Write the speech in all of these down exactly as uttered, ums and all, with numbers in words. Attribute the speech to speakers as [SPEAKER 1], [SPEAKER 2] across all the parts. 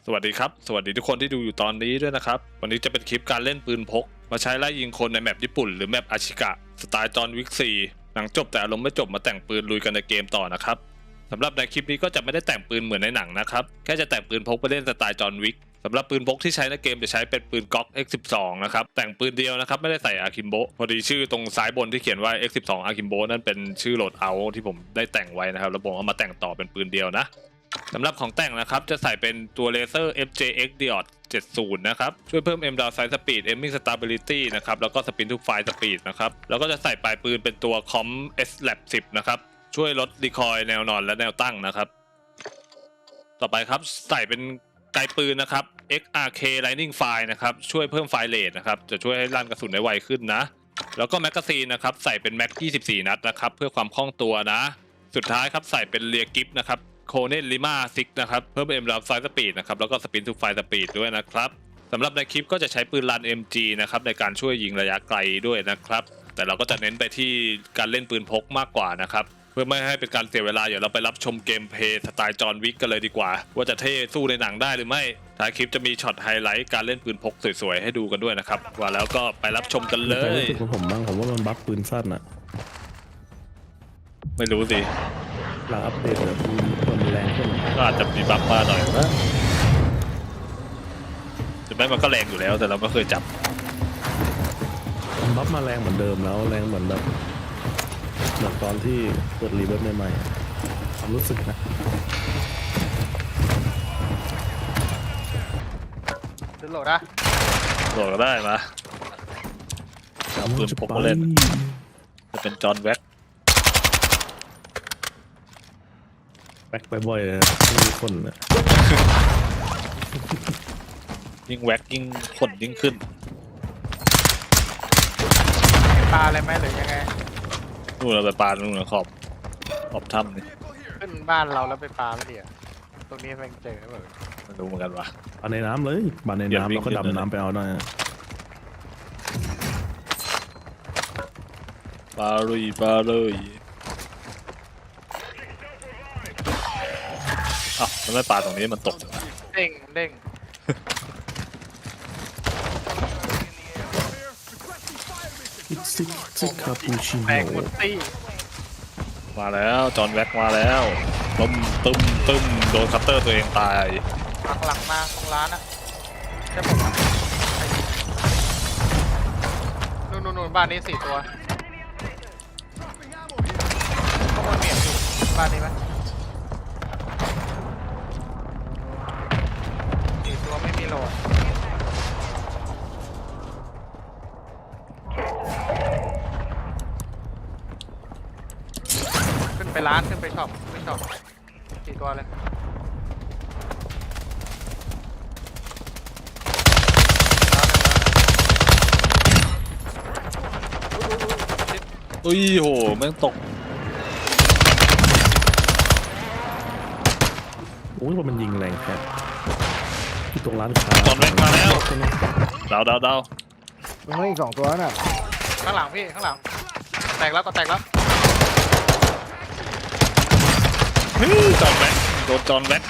[SPEAKER 1] สวัสดีครับสวัสดีทุกคนที่ดูอยู่ตอนนี้ด้วยนะครับวันนี้จะเป็นคลิปการเล่นปืนพกมาใช้ไล่ยิงคนในแมปญี่ปุ่นหรือแมปอาชิกะสไตล์จอห์นวิกสี่หนังจบแต่อารมณ์ไม่จบมาแต่งปืนลุยกันในเกมต่อนะครับสำหรับในคลิปนี้ก็จะไม่ได้แต่งปืนเหมือนในหนังนะครับแค่จะแต่งปืนพกไปเล่นสไตล์จอห์นวิกสำหรับปืนพกที่ใช้ในเกมจะใช้เป็นปืนก๊อก เอ็กซ์ สิบสอง นะครับแต่งปืนเดียวนะครับไม่ได้ใส่อาคิมโบพอดีชื่อตรงซ้ายบนที่เขียนว่า เอ็กซ์ สิบสอง อาคิมโบนั่นเป็นชื่อโหลดเอาที่ผมได้แต่งไว้นะครับแล้วผมเอามาแต่งต่อเป็นปืนเดียวนะสำหรับของแต่งนะครับจะใส่เป็นตัวเลเซอร์ เอฟ เจ เอ็กซ์ Diode เจ็ดสิบ นะครับช่วยเพิ่ม M Down Sight Speed Aiming Stability นะครับแล้วก็ Spin to Fire Speed นะครับแล้วก็จะใส่ปลายปืนเป็นตัว คอม เอส แลบ สิบ นะครับช่วยลดรีคอยล์แนวนอนและแนวตั้งนะครับต่อไปครับใส่เป็นไกปืนนะครับ เอ็กซ์ อาร์ เค Lightning Fire นะครับช่วยเพิ่มไฟเรทนะครับจะช่วยให้ลั่นกระสุนได้ไวขึ้นนะแล้วก็แมกกาซีนนะครับใส่เป็นแม็กยี่สิบสี่นัดนะครับเพื่อความคล่องตัวนะสุดท้ายครับใส่เป็นเรียกิฟนะครับโคเนตลิมาซิกนะครับเพิ่ม M Down Sight Speed นะครับแล้วก็ Spin to Fire Speed ด้วยนะครับสำหรับในคลิปก็จะใช้ปืนลัน เอ็ม จี นะครับในการช่วยยิงระยะไกลด้วยนะครับแต่เราก็จะเน้นไปที่การเล่นปืนพกมากกว่านะครับเพื่อไม่ให้เป็นการเสียเวลาเดี๋ยวเราไปรับชมเกมเพลย์สไตล์จอห์นวิกกันเลยดีกว่าว่าจะเท่สู้ในหนังได้หรือไม่ท้ายคลิปจะมีช็อตไฮไลท์การเล่นปืนพกสวยๆให้ดูกันด้วยนะครับว่าแล้วก็ไปรับชมกันเลย
[SPEAKER 2] ผมบ้างผมว่ามันบัฟปืนสั้นอะ
[SPEAKER 1] ไม่รู้สิ
[SPEAKER 2] หลังอัปเดตแบบมันแรงขึ้น
[SPEAKER 1] ก็อาจจะมีบัฟมาหน่อยนะแต่แม้มันก็แรงอยู่แล้วแต่เราไม่เคยจับ
[SPEAKER 2] มันบัฟมาแรงเหมือนเดิมแล้วแรงเหมือนแบบเหมือนตอนที่เปิดรีเวิร์สใหม่ๆความรู้สึกนะ
[SPEAKER 3] ซื้อโหลดนะ
[SPEAKER 1] โหลดก็ได้มาเอาปืนพกมาเล่นจะเป็นจอห์นแว็ก
[SPEAKER 2] แบ็คไปบ่อยเลยมีคนนะ
[SPEAKER 1] ยิ่งแว็กยิ่งขนยิ่งขึ้น
[SPEAKER 3] ปลาอะไรไหมหรือยังไง
[SPEAKER 1] นู่นเราไปปลานู่นขอบขอบถ้ำนี่
[SPEAKER 3] ขึ้นบ้านเราแล้วไปปลาไม่ดีอ่ะตรงนี้แม่งเจอเหมือน
[SPEAKER 1] ไม่รู้เหมือนกันวะ
[SPEAKER 2] ปลาในน้ำเลยปลาในน้ำเราก็ดำน้ำไปเอาได้
[SPEAKER 1] ปลาลุยปลาเลยอ้าวมันไม่ปลาตรงนี้มันตก
[SPEAKER 3] เด้งเด้ง
[SPEAKER 2] ซิกซิกคาปูชิโน่
[SPEAKER 3] แบกหมดตี้
[SPEAKER 1] มาแล้วจอห์นแว็กมาแล้วตึมตึมตึมโดนคัตเตอร์ตัวเองตาย
[SPEAKER 3] หลังหลังมาตรงร้านนะใช่ผมนู่นนู่นนู่นบ้านนี้สี่ตัวข้างบนเมียอยู่บ้านนี้ไหมสี่ตัวไม่มีโหลดขึ้นไปร้านขึ้นไปช็อปไปช็อปสี่ตัวเลย
[SPEAKER 1] อุ้ยโหแม่งตก
[SPEAKER 2] โอ้ยมันยิงแรงแค่ที่ตรงร้านค้า
[SPEAKER 1] จอห์นแว็กมาแล้วดาวดาวดาว
[SPEAKER 4] มันไม่อีกสองตัวน่ะ
[SPEAKER 3] ข้างหลังพี่ข้างหลังแตกแล้วก็แตกแล้ว
[SPEAKER 1] จอห์นแว็กโดนจอห์นแว็ก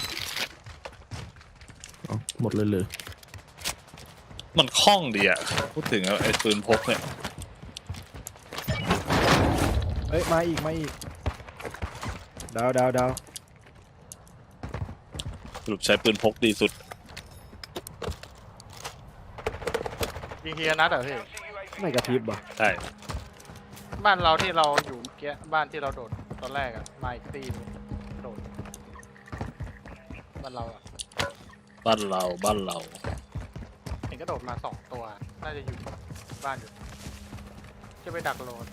[SPEAKER 2] หมดเลยเลย
[SPEAKER 1] มันคล่องดีอ่ะพูดถึงไอ้ปืนพกเนี่ย
[SPEAKER 4] เอ้ยมาอีกมาอีกดาวดาวดาว
[SPEAKER 1] สรุปใช้ปืนพกดีสุด
[SPEAKER 3] ยิงเฮียนัดเหรอพี่
[SPEAKER 4] ไม่กระพริบบ่
[SPEAKER 1] ใช่
[SPEAKER 3] บ้านเราที่เราอยู่เมื่อกี้บ้านที่เราโดดตอนแรกอะมาอีกตีนโดดบ้านเราอะ
[SPEAKER 1] บ้านเราบ้านเรา
[SPEAKER 3] เห็นก็โดดมาสองตัวน่าจะอยู่บ้านอยู่จะไปดักโลน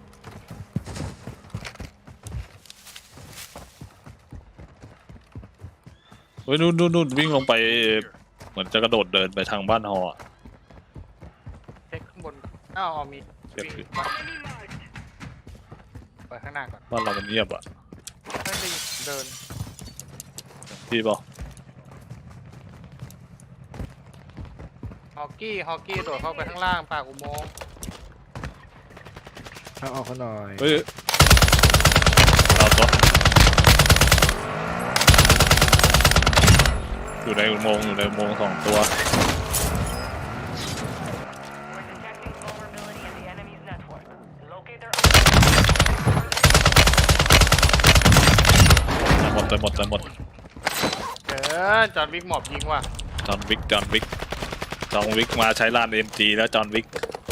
[SPEAKER 1] เฮ้ยนู่นนู่นนู่นวิ่งลงไปเหมือนจะกระโดดเดินไปทางบ้านฮอ
[SPEAKER 3] เช็คข้างบนอ้าวมีวิ่งไปข้างหน้าก่อน
[SPEAKER 1] บ้านเรามันเงียบอ่ะ
[SPEAKER 3] ไม่ได้เดิน
[SPEAKER 1] พี่บอก
[SPEAKER 3] ฮอกกี้ฮอกกี้โดดเข้าไปข้างล่างปากอุโมงค์
[SPEAKER 4] ทางออกเขาหน่อย
[SPEAKER 1] เฮ้ยเราตัวอยู่ในอุโมงค์อยู่ในอุโมงค์สองตัว หมดเลยหมดเลยหมด
[SPEAKER 3] เออจอห์นวิกหมอบยิงว่ะ
[SPEAKER 1] จอห์นวิกจอห์นวิกจอห์นวิกมาใช้ลานเอ็มจีแล้วจอห์นวิก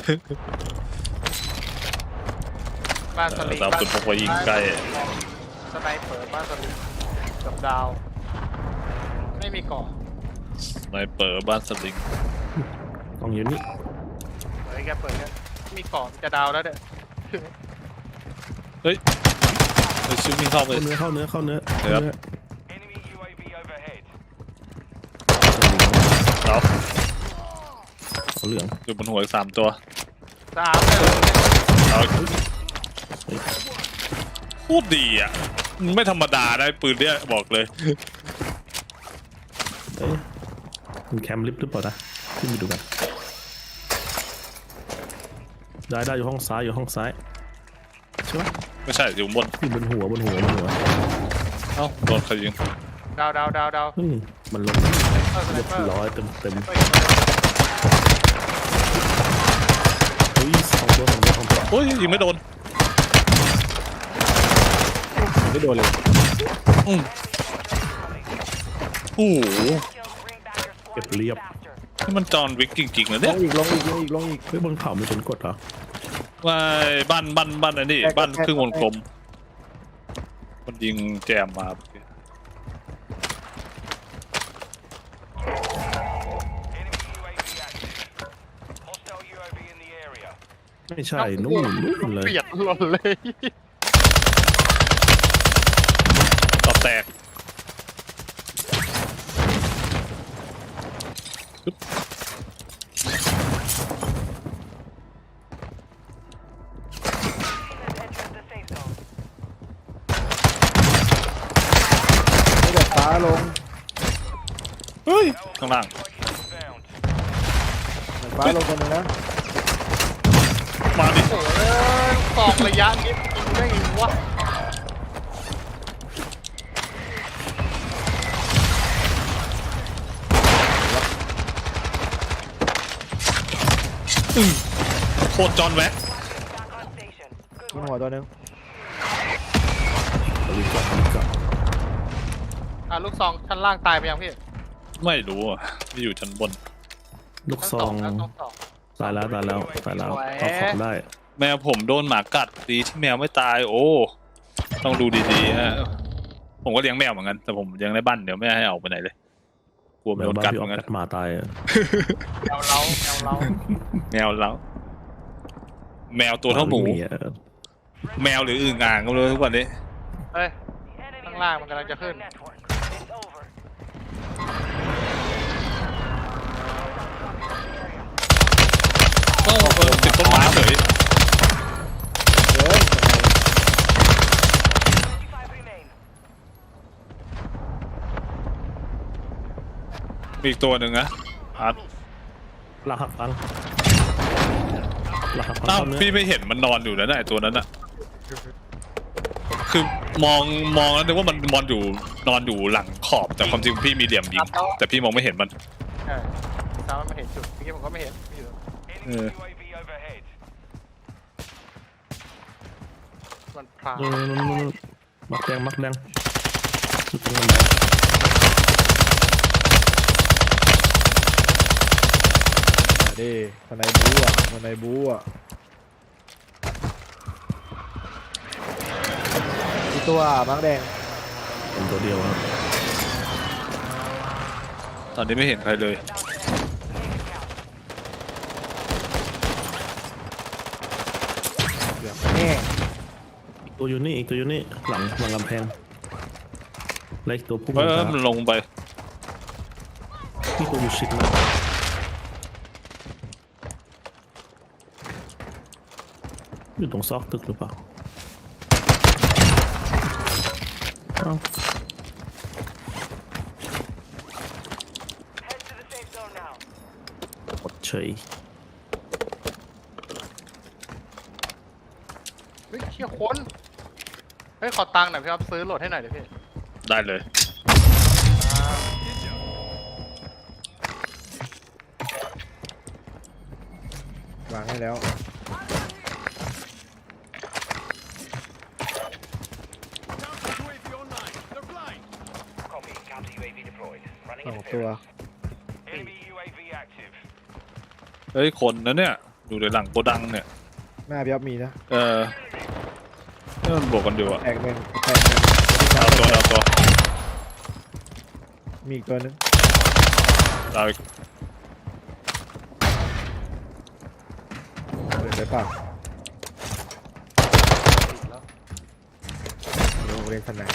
[SPEAKER 3] บ้านสลิง
[SPEAKER 1] เราสุดพกไปยิงใกล้
[SPEAKER 3] สไนเปอร์บ้านสลิงกับดาว ไม่มีเกาะ
[SPEAKER 1] สไนเปอร์บ้านสลิง
[SPEAKER 2] กล่องอยู่นี่
[SPEAKER 3] เฮ้ยแกเปิดแกมีเกาะจะดาวแล้วเด้อ
[SPEAKER 1] เฮ้ยไปชิววิ่งเข้าไป
[SPEAKER 2] เข้าเนื้อเข้าเนื้อเข้าเนื้อ
[SPEAKER 1] ครับ
[SPEAKER 2] เนื้อ
[SPEAKER 1] เรา
[SPEAKER 2] เอาเหลือง
[SPEAKER 1] อยู่บนหัวอีกสามตัว
[SPEAKER 3] สามเลย
[SPEAKER 1] เราโคตรดีอ่ะไม่ธรรมดาได้ปืนเนี่ยบอกเลย
[SPEAKER 2] เอ้ยมันแคมป์ลิฟต์หรือเปล่านะขึ้นไปดูกันได้ได้อยู่ห้องซ้ายอยู่ห้องซ้ายใช่ไหม
[SPEAKER 1] ไม่ใช่อยู่บน
[SPEAKER 2] อยู่บนหัวบนหัวบนหัว
[SPEAKER 1] เอ้าโดนใครยิง
[SPEAKER 3] ดาวดาวดาวดาว
[SPEAKER 2] เฮ้ยมันลง
[SPEAKER 3] เออสไน
[SPEAKER 2] เรียบ
[SPEAKER 3] เปอร์
[SPEAKER 2] ร้อยเต็มเต็ม
[SPEAKER 3] เฮ้ย
[SPEAKER 2] เฮ้ยสองตัวสองตัวสองตัว
[SPEAKER 1] โอ้ยยิงไม่โดน
[SPEAKER 4] ไม่โดนเลย
[SPEAKER 1] อืมโอ้โห
[SPEAKER 2] เก็บเรียบ
[SPEAKER 1] นี่มันจอห์นวิกจริงๆนะ
[SPEAKER 4] ล
[SPEAKER 1] เนี่ย
[SPEAKER 4] งอีกลงอีกลงอีกลงอีก
[SPEAKER 2] เฮ้ยบนเขาไม่เป็นกดเหรอ
[SPEAKER 1] ว่าบ้านบ้านบ้านอันนี้
[SPEAKER 4] แก้
[SPEAKER 1] บ้าน
[SPEAKER 4] แก้
[SPEAKER 1] ครึ่งวง
[SPEAKER 4] แก้
[SPEAKER 1] กลมมันยิงแจมมา
[SPEAKER 2] ไม่ใช่นู่นนู่นเลย
[SPEAKER 3] เปียกหล่นเลย
[SPEAKER 1] ต่อแตกปึ๊บ
[SPEAKER 4] ไม่แบบฟ้าลง
[SPEAKER 1] เฮ้ยข้างล่าง
[SPEAKER 4] แบบฟ้าลงคนหนึงนะ
[SPEAKER 1] มาดิ
[SPEAKER 3] โอ้ยกองระยะนี้ยิงได้ไงวะ
[SPEAKER 1] โคตรจอห์นแว็ก
[SPEAKER 4] บนหัวตัวหนึง
[SPEAKER 2] เอาลิฟต์ก่อนเอาลิฟต์ก่อน
[SPEAKER 3] อ่ะลูกซองชั้นล่างตายไปยังพี่
[SPEAKER 1] ไม่รู้อ่ะที่อยู่ชั้นบน
[SPEAKER 2] ลูก
[SPEAKER 3] ชั้น
[SPEAKER 2] ซอง
[SPEAKER 3] แล้วต้องสอง
[SPEAKER 2] ตายแล้วตายแล้วตายแล้ว
[SPEAKER 3] สวย
[SPEAKER 2] เอาของได้
[SPEAKER 1] แมวผมโดนหมากัดดีที่แมวไม่ตาย โอ้ต้องดูดีๆฮะผมก็เลี้ยงแมวเหมือนกันแต่ผมเลี้ยงในบ้านเดี๋ยวไม่ให้ออกไปไหนเลยกลัว
[SPEAKER 2] แม
[SPEAKER 1] โด
[SPEAKER 2] วน บ้าน
[SPEAKER 1] กัด
[SPEAKER 2] พี่
[SPEAKER 1] เห
[SPEAKER 2] อ
[SPEAKER 1] มื
[SPEAKER 2] อ
[SPEAKER 1] อก นกัน
[SPEAKER 2] กัดหมาตายอะ
[SPEAKER 3] แมวเล้าแมวเล้า
[SPEAKER 1] แมวแล้วแมวตัวเท่าหมู
[SPEAKER 2] ไอะ
[SPEAKER 1] แมวหรืออึ่งอ่างก็ไม่รู้ทุกวันนี้
[SPEAKER 3] เฮ้ยข้างล่างมันกำลังจะขึ้น
[SPEAKER 1] เอ้าเออติดต้นไม้เฉย
[SPEAKER 4] เฮ้ย
[SPEAKER 1] มีอีกตัวหนึ่งนะอาร์ต
[SPEAKER 2] ลากหักพังลากหักพัง
[SPEAKER 1] อ้าว
[SPEAKER 2] เข้าเนื้อ
[SPEAKER 1] พี่ไม่เห็นมันนอนอยู่นะไอ้ตัวนั้นอะคือมองมองแล้วนึกว่ามันนอนอยู่นอนอยู่หลังขอบแต่ความจริงพี่มีเหลี่ยมยิงแต่พี่มองไม่เห็นมัน
[SPEAKER 3] เออตามมันมาเห็นจุดเมื่อกี้ผมก็ไม่เห็นไม่อยู่
[SPEAKER 1] เออ
[SPEAKER 3] มันพลาง
[SPEAKER 2] นู่นนู่นนู่นนู่นมักแดงมักแดงชุดตรงนั้นแดง
[SPEAKER 4] มาดิคนในบูอ่ะคนในบูอ่ะอีกตัวมังแดง
[SPEAKER 2] เป็นตัวเดียวครับ
[SPEAKER 1] ตอนนี้ไม่เห็นใครเลย
[SPEAKER 4] เหลืองแน่
[SPEAKER 2] อีกตัวอยู่นี่อีกตัวอยู่นี่หลังหลังกำแพงเล็กตัวพุ่ง
[SPEAKER 1] เออ
[SPEAKER 2] มา
[SPEAKER 1] มันลงไป
[SPEAKER 2] พี่ตัวอยู่ชิดนะอยู่ตรงซอกตึกหรือเปล่าเอ้า หมดเฉย
[SPEAKER 3] เฮ้ยเชี่ยคนเฮ้ยขอตังค์หน่อยพี่ครับซื้อโหลดให้หน่อยเดี๋ยวพี่
[SPEAKER 1] ได้เลย
[SPEAKER 4] วางให้แล้ว สองตัว
[SPEAKER 1] เฮ้ยคนนะเนี่ยอยู่ในหลังโกดังเนี่ย
[SPEAKER 4] หน้าพี่อ๊อฟมีนะ
[SPEAKER 1] เออนี่มันบวกกันอยู่อะ
[SPEAKER 4] แตกหนึ่งแตกหนึ่ง
[SPEAKER 1] ดาวตัวดาวตัว
[SPEAKER 4] มีอีกตัวนึง
[SPEAKER 1] ดาวอีก
[SPEAKER 4] เดินไปเปล่า
[SPEAKER 3] ติดแล้ว
[SPEAKER 4] โรงเรียนสนาม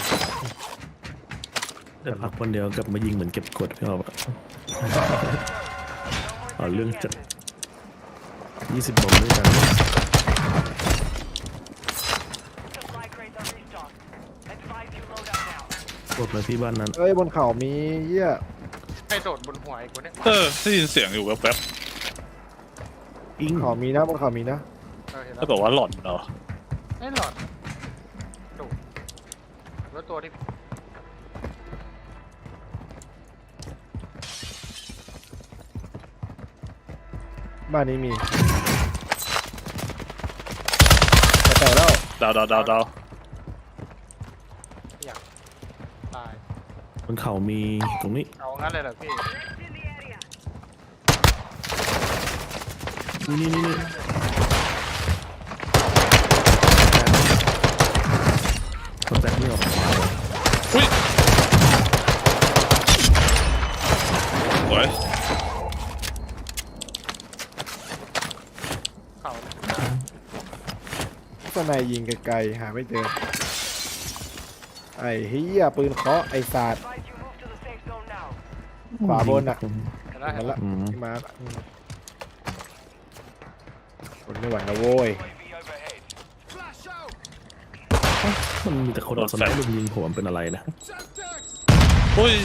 [SPEAKER 2] ได้พักวันเดียวกลับมายิงเหมือนเก็บกดพี่ออกอะเอาเรื่องจัดยี่สิบบอมด้วยกันกดมาที่บ้านนั้น
[SPEAKER 4] เอ้ยบนเขามีเหี้ย
[SPEAKER 3] ให้โดดบนหัวไอ้คนเนี้ย
[SPEAKER 1] เออได้ยินเสียงอยู่แป๊บ
[SPEAKER 2] อิง
[SPEAKER 4] เขามีนะบนเขามีนะ
[SPEAKER 3] เออเห็น
[SPEAKER 1] ๆ
[SPEAKER 3] แล้
[SPEAKER 1] ถ้าว บอกว่าหล่อนเหรอ
[SPEAKER 3] ไม่หลอดโดดแล้วตัวที่
[SPEAKER 4] บ้านนี้มีจะแตกแล้ว
[SPEAKER 1] ดาวดาวดาวดาว
[SPEAKER 3] อยากตาย
[SPEAKER 2] บนเขามีตรงนี้
[SPEAKER 3] เอางั้นเลยเหรอพี่
[SPEAKER 2] นี่นี่นี่คนแตกไม่ออก
[SPEAKER 1] อุ้ยสวย
[SPEAKER 3] เขา
[SPEAKER 4] สนายยิงไกลๆหาไม่เจอไอ้เฮียปืนเคาะไอ้ศาสตร์ ขวาบนอะ
[SPEAKER 3] เห็นแล้วเห็
[SPEAKER 4] มัน
[SPEAKER 3] นแล้ว
[SPEAKER 4] ละ
[SPEAKER 2] อืม
[SPEAKER 4] ที่มาร์คอืมคนไม่ไหวแล้วโว้ย
[SPEAKER 2] มันมีแต่คนเอาสไนเปอร์ลุมยิงผมเป็นอะไรนะ
[SPEAKER 1] อุ้ย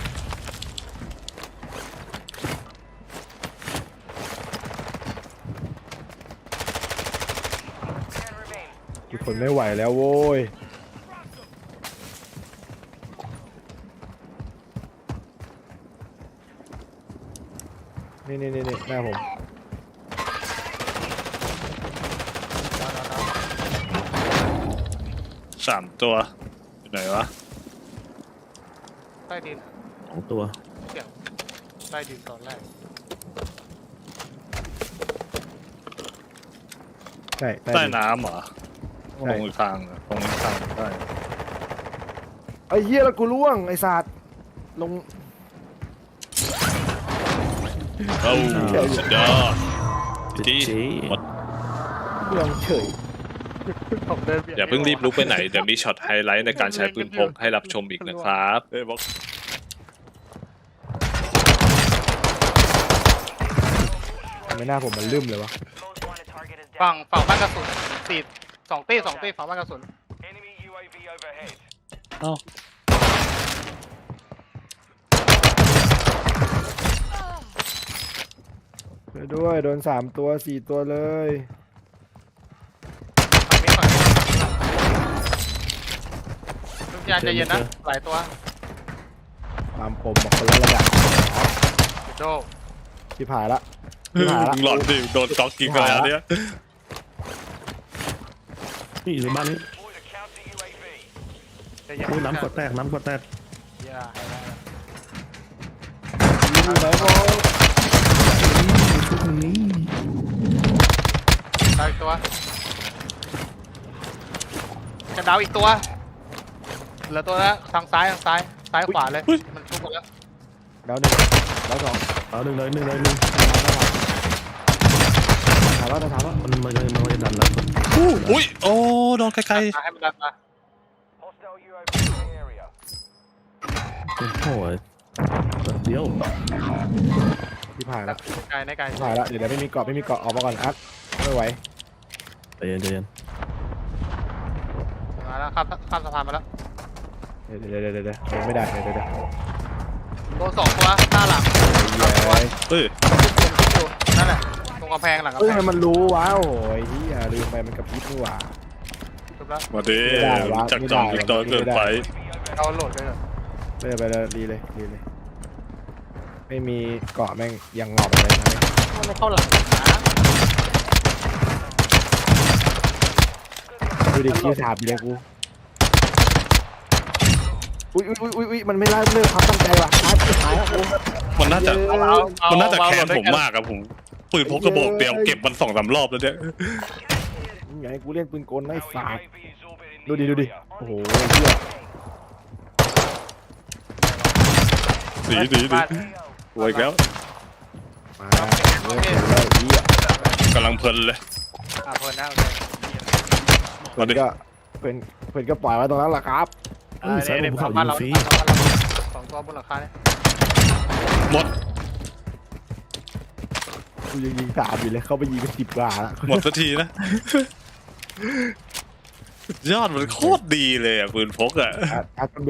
[SPEAKER 4] มีคนไม่ไหวแล้วโว้ยนี่นี่นี่นี่หน้าผม
[SPEAKER 1] สามตัวอยู่ไหนวะ
[SPEAKER 3] ใต้ดิน
[SPEAKER 2] สองตัว
[SPEAKER 3] เสียงใต้ดินตอนแรก
[SPEAKER 4] ใช่ใต้
[SPEAKER 1] ใต้
[SPEAKER 4] ดิน
[SPEAKER 1] น้ำเหรอ
[SPEAKER 4] ใช่
[SPEAKER 1] ตรงอีกทางอะตรงอีกทางได้
[SPEAKER 4] ไอ้เหี้ยแล้วกูล่วงไอ้ศาสตร์ลง
[SPEAKER 1] เอ้าสุดยอด
[SPEAKER 2] เจ๊
[SPEAKER 1] หมด
[SPEAKER 4] ล่วงเฉย
[SPEAKER 3] ผมเดินเบียด
[SPEAKER 1] อย่าเพิ่งรีบลุกไปไหน เดี๋ยวมีช็อตไฮไลท์ในการใช้ปืนพกให้รับชมอีกนะครับเอ้ยบอก
[SPEAKER 4] ทำไมหน้าผมมันลืมเลยวะ
[SPEAKER 3] ฝั่งฝั่งบ้านกระสุนสี่สองตีสองตีฝั่งบ้านกระสุน
[SPEAKER 1] เอ้า
[SPEAKER 4] ช่วยด้วยโดนสามตัวสี่ตัวเลย
[SPEAKER 3] ฝั่งนี้ฝั่งนี้ทุกยานใจเย็นนะหลายตัว
[SPEAKER 4] ตามผมบอกคนละระดับ
[SPEAKER 3] โด
[SPEAKER 4] ที่ผ่านละที่ผ่านละ
[SPEAKER 1] มึงหลอนดิโดนจ็อกกิ้งอะไรเนี่ย
[SPEAKER 2] นี่อยู่ในบ้านนี้
[SPEAKER 3] ใจเย็น
[SPEAKER 2] โอ้ยน้ำกดแตกน้ำกดแตก
[SPEAKER 3] อย่าให้ได้
[SPEAKER 4] ยิงอยู่ไหนบอล
[SPEAKER 2] ชุดนี้
[SPEAKER 3] ดาวอีกตัวจะดาวอีกตัวเหลือตัวละทางซ้ายทางซ้ายซ้ายขวาเลยมันทุกคนแล้ว
[SPEAKER 4] ดาวหนึ่งดาวสอง
[SPEAKER 2] เอาหนึ่งเลยหนึ่งเลยหนึ่ง
[SPEAKER 4] ถามว่าถามว่า
[SPEAKER 2] มันมันมันมันจะดันแล้ว
[SPEAKER 1] อุ้ยโอ้โดนไกล
[SPEAKER 3] มาให้มันดันมา
[SPEAKER 2] โอ้โหเดี๋ยว
[SPEAKER 4] ที่ผ่านละ
[SPEAKER 3] ไกลในไกล
[SPEAKER 4] ที่ผ่านละเดี๋ยวเดี๋ยวไม่มีเกาะไม่มีเกาะออกมาก่อนอัดไม่ไหว
[SPEAKER 2] ใจเย็นใจเย็น
[SPEAKER 3] มาแล้วข้ามข้ามสะพานมาแล้ว
[SPEAKER 4] เดี๋ยวเดี๋ยวเดี๋ยวเดี๋ยวเดี๋ยวไม่ได้เดี๋ยวเดี๋ยวเดี๋ยว
[SPEAKER 3] โดนสองตัวหน้าหลัง
[SPEAKER 4] เฮ้ย
[SPEAKER 1] ๆเฮ้ย
[SPEAKER 3] ขึ้นอยู่ขึ้นอยู่นั่นแหละตรงกำแพงหลังกำ
[SPEAKER 4] เอ้ย
[SPEAKER 3] แพง
[SPEAKER 4] มันรู้ว้าวโอ้ยที่ลืมไปมันกับพริบนี่หว่า
[SPEAKER 3] จบแล้ว
[SPEAKER 1] มาดิ
[SPEAKER 4] ไม่ได้วะ
[SPEAKER 1] จักจอง
[SPEAKER 4] ไม่ได้
[SPEAKER 1] วิกตอร์เกินไป
[SPEAKER 3] เราโหลดไปเลย
[SPEAKER 4] ไปเลยไปเลยรีเลยรีเลยไม่มีเกาะแม่งยังงอกเลยนะ
[SPEAKER 3] มันเข้าหลังนะ
[SPEAKER 4] ดูดิคิวสามอยู่เลยกูอุ้ยอุ้ยอุ้ยอุ้ยมันไม่ไล่เลิกความตั้งใจว่ะตายตายแล้วกู
[SPEAKER 1] มันน่าจะ
[SPEAKER 4] เย้
[SPEAKER 1] มันน่าจะแค้นผมมากครับผมปืนพกกระบอกเดียวเก็บมันสองสามรอบแล้วเนี่ย
[SPEAKER 4] มึงอยากให้กูเล่นปืนกลไม่ฝาดดูดิดูดิโอ้โหเหี้ย
[SPEAKER 1] หนีหนีหนี
[SPEAKER 3] บ้าน
[SPEAKER 1] โวยแล้ว
[SPEAKER 4] มาเริ่มถึงแล้วเหี้ย
[SPEAKER 1] กำลังเพลินเลย
[SPEAKER 3] อ่ะเพลินนะโอเค
[SPEAKER 1] มาดิ
[SPEAKER 4] ก็เพื่อนเพื่อนก็ปล่อยไว้ตรงนั้นแหละครับ
[SPEAKER 2] เอ้ยสายบนภูเขา
[SPEAKER 3] บ้าน
[SPEAKER 2] ยิ
[SPEAKER 3] เรา
[SPEAKER 2] งฟรี
[SPEAKER 3] บ้านเราสองตัวบนหลังคาเนี่ย
[SPEAKER 1] หมด
[SPEAKER 4] กูยังยิงสามอยู่เลยเข้าไปยิงกันสิบกว่าละ
[SPEAKER 1] หมดสักทีนะยอดมันโคตรดีเลยอ่ะปืนพกอ่ะ
[SPEAKER 4] อ่ะอ่ะ